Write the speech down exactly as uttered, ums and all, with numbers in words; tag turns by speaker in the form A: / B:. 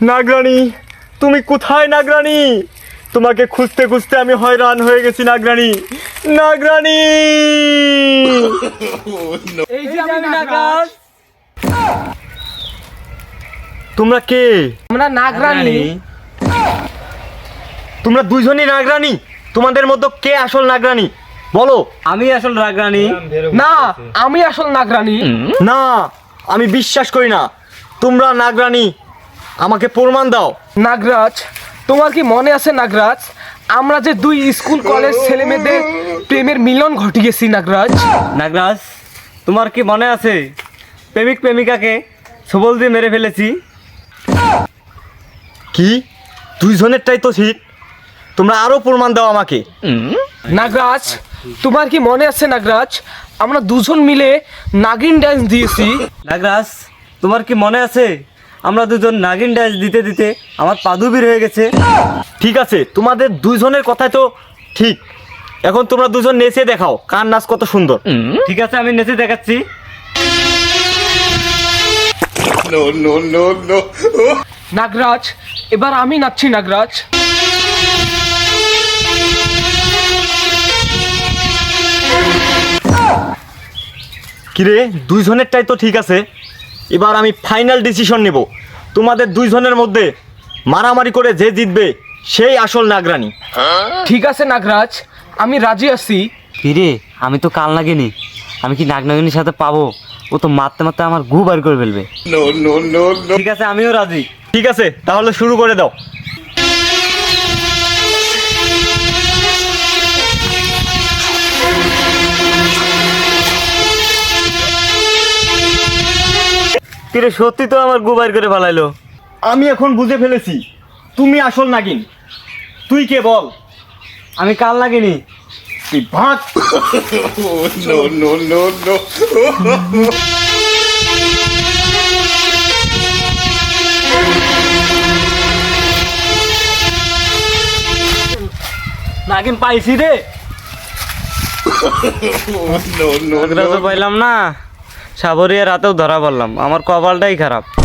A: নাগরানী, তুমি কোথায় নাগরানী? তোমাকে খুঁজতে খুঁজতে আমি হয়রান হয়ে গেছি নাগরানী। নাগরানী,
B: এই যে আমি নাগরাজ।
A: তোমরা কে?
B: আমরা নাগরানী।
A: তোমরা দুইজনই নাগরানী? তোমাদের মধ্যে কে আসল নাগরানী বলো?
C: আমি আসল নাগরানী।
B: না, আমি আসল নাগরানী।
A: না, আমি বিশ্বাস করি না তোমরা নাগরানী। আমাকে প্রমাণ দাও।
B: নাগরাজ, তোমার কি মনে আছে নাগরাজ, আমরা যে দুই স্কুল কলেজ ছেলে মেয়েদের প্রেমের মিলন ঘটিয়েছি নাগরাজ?
C: নাগরাজ, তোমার কি মনে আছে প্রেমিক প্রেমিকাকে সবল দিয়ে মেরে ফেলেছি?
A: কি? দুইজনেরটাই তো ঠিক। তোমরা আরো প্রমাণ দাও আমাকে।
B: নাগরাজ, তোমার কি মনে আছে নাগরাজ, আমরা দুজন মিলে নাগিন ড্যান্স দিয়েছি?
C: নাগরাজ, তোমার কি মনে আছে আমরা দুজন নাগিন ড্যান্স দিতে দিতে আমার পাদুবির হয়ে গেছে?
A: ঠিক আছে, তোমাদের দুইজনের কথাই তো ঠিক। এখন তোমরা দুজন নেচে দেখাও কার নাচ কত সুন্দর।
C: ঠিক আছে, আমি নেচে দেখাচ্ছি।
B: নাগরাজ, এবার আমি নাচছি নাগরাজ।
A: কিরে, দুইজনেরটাই তো ঠিক আছে। এবার আমি ফাইনাল ডিসিশন নেব। তোমাদের দুইজনের মধ্যে মারামারি করে যে জিতবে সেই আসল নাগরানী।
B: ঠিক আছে নাগরাজ, আমি রাজি আছি।
C: কিরে, আমি তো কাল নাগিনি, আমি কি নাগ নাগিনীর সাথে পাবো? ও তো মারতে মারতে আমার গু বার করে ফেলবে। ঠিক আছে, আমিও রাজি।
A: ঠিক আছে, তাহলে শুরু করে দাও।
C: কিরে, সত্যি তো আমার গু বার করে ফেলাইলো।
A: আমি এখন বুঝে ফেলেছি তুমি আসল নাগিন। তুই কে বল?
C: আমি কাল নাগিনি।
A: তুই ভাগ।
C: নাগিন পাইছি রে। নাগরা তো পাইলাম না, সাবরিয়া রাতেও ধরা পড়লাম। আমার কপালটাই খারাপ।